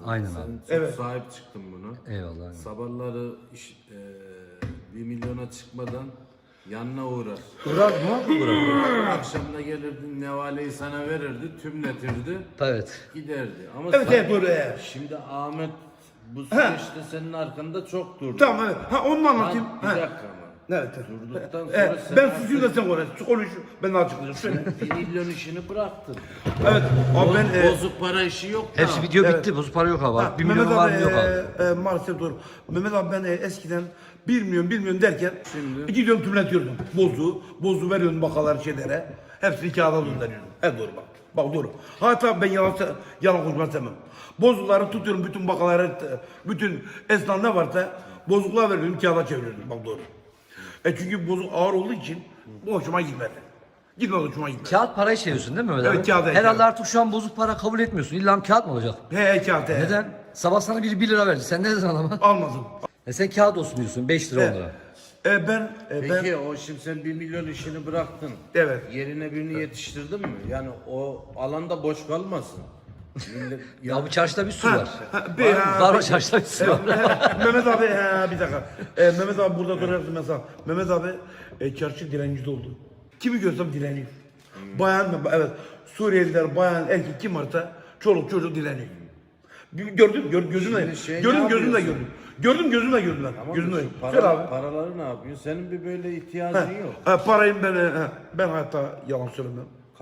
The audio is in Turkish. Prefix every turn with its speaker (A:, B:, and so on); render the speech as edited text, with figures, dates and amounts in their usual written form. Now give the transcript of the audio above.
A: Aynen
B: Sen
A: abi.
B: çok
C: Evet.
B: sahip çıktın bunu.
A: Eyvallah. Aynen.
B: Sabahları 1 milyona çıkmadan yanına uğrar.
C: Uğrar mı?
B: Akşamda gelirdi, nevaleyi sana verirdi, tümletirdi,
A: Evet.
B: giderdi. Ama
C: Evet
B: sen-
C: evet doğru. Evet.
B: Şimdi Ahmet bu süreçte senin arkanda çok durdu.
C: Tamam evet. Ha onu mu anlatayım?
B: Bir
C: Ha.
B: dakika ama.
C: Evet.
B: Durduktan sonra
C: Evet.
B: sen
C: Ben
B: artık
C: susayım da sen konuş. Konuş. Ben de açıklayacağım. Söyle.
B: 1 milyon işini bıraktın.
C: Evet. Abi ben
B: Bozuk para işi yok da.
A: Hepsi video
C: Evet.
A: bitti. Bozuk para yok abi.
C: Ha,
A: 1 milyon var mı yok abi.
C: Maalesef doğru. Mehmet abi ben eskiden 1 milyon derken
B: Şimdi?
C: 2 milyon tümletiyordum. Bozu veriyordum bakalar şeylere. Hepsini kağıda gönderiyordum. Evet doğru bak. Bak doğru. Hatta ben yalan konuşmak istemem. Bozukları tutuyorum bütün bakaları, bütün esnaf ne varsa bozuklar veriyordum kağıda çeviriyordum. Bak doğru. Çünkü bozuk ağır olduğu için bu hoşuma gitmedi. Gitmedi hoşuma gitmedi.
A: Kağıt parayı seviyorsun değil mi Mehmet abi?
C: Evet, kağıt,
A: Herhalde
C: kağıt.
A: artık şu an bozuk para kabul etmiyorsun. İlla kağıt mı olacak?
C: He kağıt he.
A: Neden? Sabah sana biri 1 lira verdi. Sen ne dedin adama?
C: Almadım.
A: Sen kağıt olsun diyorsun. 5 lira 10 lira.
C: Ben
B: Peki o şimdi sen 1 milyon işini bıraktın.
C: Evet.
B: Yerine birini yetiştirdin mi? Yani o alanda boş kalmasın. Millet,
A: Ya bu çarşıda bir su var.
C: Ha,
A: Var o çarşıda bir su var.
C: Mehmet abi bir dakika. Mehmet abi burada duruyorsun mesela. Mehmet abi çarşı direnci oldu. Kimi görsem direniyor. Bayan evet Suriyeliler, bayan, erkek kim varsa çoluk çocuk direniyor. Gördüm gözümle.
B: Şimdi şey
C: Gördüm
B: ne
C: gözümle
B: yapıyorsun?
C: gördüm. Gördüm gözümle gördüm ben.
B: Tamam
C: Gözümle.
B: mı? Şu
C: Söyle abi.
B: paraları ne yapıyorsun? Senin bir böyle ihtiyacın yok.
C: Parayı ben hayatta yalan söylemem.